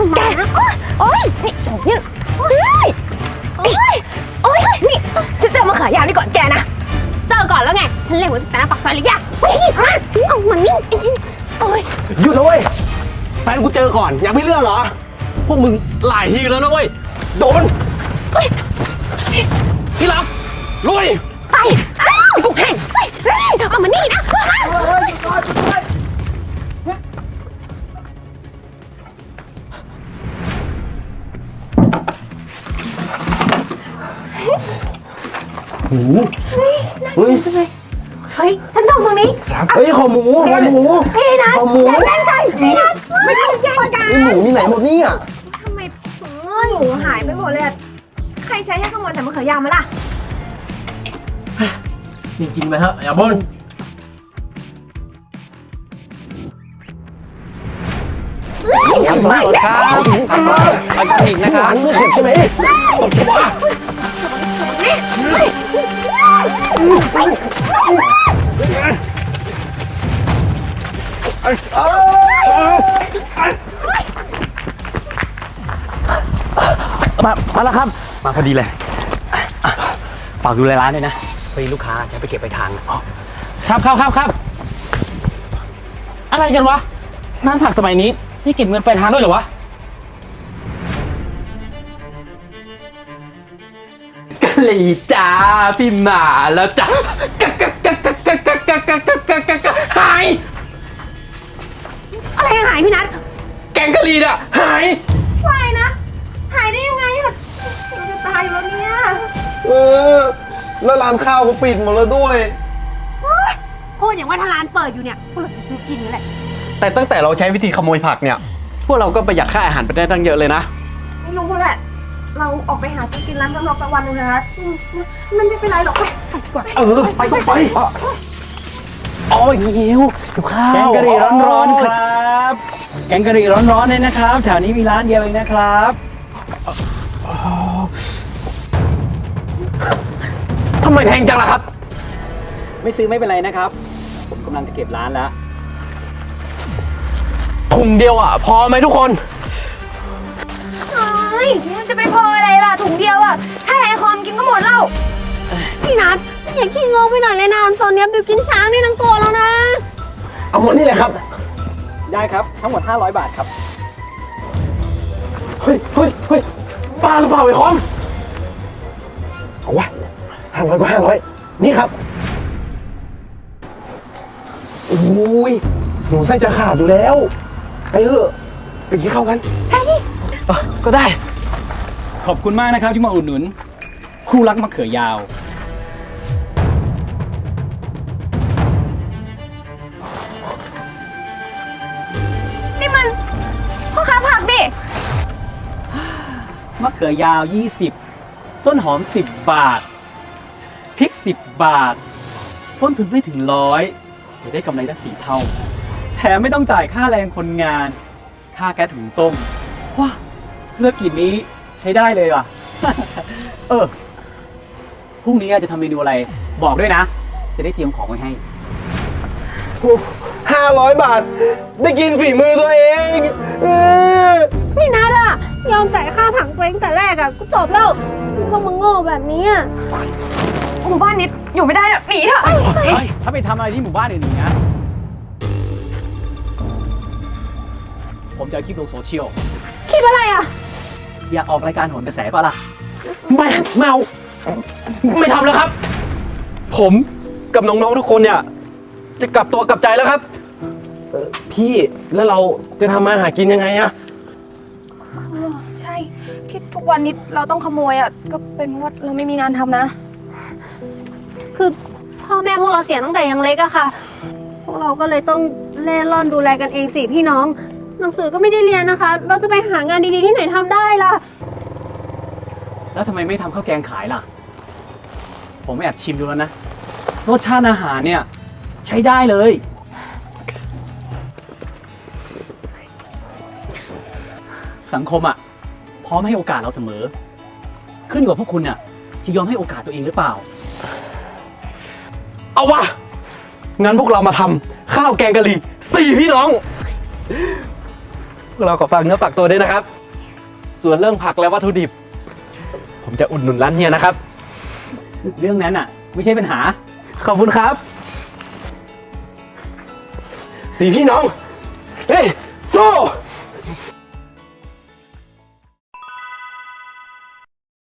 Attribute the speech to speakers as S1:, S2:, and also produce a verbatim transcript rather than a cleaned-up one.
S1: แกโอ๊ยนี่นี่โอ๊ยโอ๊ยโอ๊ยนี่ฉันเจอมาขายยาวนี่ก่อนแกนะเจอก่อนแล้วไงฉันเล่นไว้แต่หน้าปากซอยเลยย่าเฮ้ยมันเอามันนี่โอ๊ย
S2: หยุดนะเว้ยแฟนกูเจอก่อนยังไม่เลือกเหรอพวกมึงหลายทีแล้วนะเว้ยโดนพี่รักลุย
S1: ไปกูแข่งเอามานี่นะ
S2: หมูเฮ้ย
S1: เฮ้ยฉันส่งตรงนี้
S2: เฮ้ยขอหมูขอหมู
S1: พี่นะ
S2: ขอหมู
S1: อย่าแย่งใจพี่นะไม่ต้องแย่งกัน
S2: หมูมีไหนหมดนี่อ่ะ
S1: ทำไมถุงเงินหมูหายไปหมดเลยใครใช้ให้ขโมยแต่มะเขือยาวมาล่ะ
S2: จริงๆไปเถอะอย่าบ่นทำไมครับทำไมไปกันอีกนะครับไม่เข็ดใช่ไหมตบตัวมามาแล้วครับมาพอดีเลยฝากดูแลร้านด้วยนะพอดีลูกค้าจะไปเก็บไปทางครับครับครับครับอะไรกันวะร้านผักสมัยนี้นี่เก็บเงินไปทางด้วยเหรอวะกะหรี่จ้าพี่หมาแล้วจ้ากะกะกะกะกะกะกะกะกะกะกะกะหาย
S1: อะไรหายพี่นัท
S2: แกงกะหรี่น่ะหาย
S1: หายนะหายได้ยังไงอะเราจะตายแล้วเนี่ย
S2: เออแล้วร้านข้าวก็ปิดหมดแล้วด้วย
S1: พูดอย่างว่าถ้าร้านเปิดอยู่เนี่ยพวกเราจะซื้อกินนี่แหละ
S2: แต่ตั้งแต่เราใช้วิธีขโมยผักเนี่ยพวกเราก็ประหยัดค่าอาหารไปได้ตั้งเยอะเลยนะ
S1: ไม่รู้แหละเราออกไปหาซื้อกินร้านข้างนอกสักวันนึงนะมันไม่เป็นไรหรอกไปก่อน
S2: เออไปก็ไปอ๋อหิวหิวข้าว
S3: แกงกะหรี่ร้อนๆครับแกงกะหรี่ร้อนๆเลยนะครับแถวนี้มีร้านเดียวเองนะครับ
S2: ทำไมแพงจังล่ะครับ
S3: ไม่ซื้อไม่เป็นไรนะครับผมกำลังจะเก็บร้านแล้ว
S2: ถุงเดียวอ่ะพอไหมทุกคน
S1: เฮ้ยมันจะไปพออะไรล่ะถุงเดียวอ่ะถ้าไอคอมกินก็หมดแล้วพี่นัทอย่าขี้งงไปหน่อยเลยนะตอนนี้บิวกินช้างนี่ทั้งตัวแล้วนะ
S2: เอาหมดนี่เลยครับ
S3: ได้ครับทั้งหมดห้าร้อยบาทครับ
S2: เฮ้ยเฮ้ยเฮ้ยป้าหรือเปล่าไอคอมเอาวะห้าร้อยก็ห้าร้อยนี่ครับโอ้ยหนูไส้จะขาดอยู่แล้วไปเถอะไปกินข้าวกันก็ได้
S3: ขอบคุณมากนะครับที่มาอุดหนุนคู่รักมะเขือยาว
S1: นี่มันพ่อค้าผักดิ
S3: มะเขือยาวยี่สิบต้นหอมสิบบาทพริกสิบบาทต้นทุนไม่ถึงร้อยจะได้กำไรได้สี่เท่าแถมไม่ต้องจ่ายค่าแรงคนงานค่าแก๊สถุงต้มว้าเลือกกลิ่นนี้ใช้ได้เลยว่ะ เออพรุ่งนี้จะทำเมนูอะไรบอกด้วยนะจะได้เตรียมของไว้ให้
S2: ห้าร้อยบาทได้กินฝีมือตัวเอง
S1: นี่นัทอะยอมจ่ายค่าผังตัวเองแต่แรกอะก็จบแล้วพวกมึงโง่แบบนี้อะหมู่บ้านนี้อยู่ไม่ได้หนีเถอะ
S3: ถ้าไปทำอะไรที่หมู่บ้านอื่นๆนะผมจะคลิปลงโซเชียล
S1: คลิปอะไรอะ
S3: อยากออกรายการโหนกระแสป่ะล่ะ
S2: ไม่เมาไม่ทำแล้วครับผมกับน้องๆทุกคนเนี่ยจะกลับตัวกลับใจแล้วครับพี่แล้วเราจะทำมาหากินยังไงอะ
S1: ใช่ที่ทุกวันนี้เราต้องขโมยอะก็เป็นเพราะว่าเราไม่มีงานทำนะคือพ่อแม่พวกเราเสียตั้งแต่ยังเล็กอะค่ะพวกเราก็เลยต้องเล่ร่อนดูแลกันเองสี่พี่น้องหนังสือก็ไม่ได้เรียนนะคะเราจะไปหางานดีๆที่ไหนทำได้ล่ะ
S3: แล้วทำไมไม่ทำข้าวแกงขายล่ะผมแอบชิมดูแล้วนะรสชาติอาหารเนี่ยใช้ได้เลยสังคมอ่ะพร้อมให้โอกาสเราเสมอขึ้นอยู่กับพวกคุณน่ะจะยอมให้โอกาสตัวเองหรือเปล่า
S2: เอาวะงั้นพวกเรามาทำข้าวแกงกะหรี่สี่พี่น้องพวกเราขอฝากเนื้อฝากตัวด้วยนะครับ ส่วนเรื่องผักและวัตถุดิบ ผมจะอุดหนุนร้านเฮียนะครับ
S3: เรื่องนั้นอ่ะ ไม่ใช่ปัญหา
S2: ขอบคุณครับ
S4: สี่พี่น้อง เฮ้ยสู้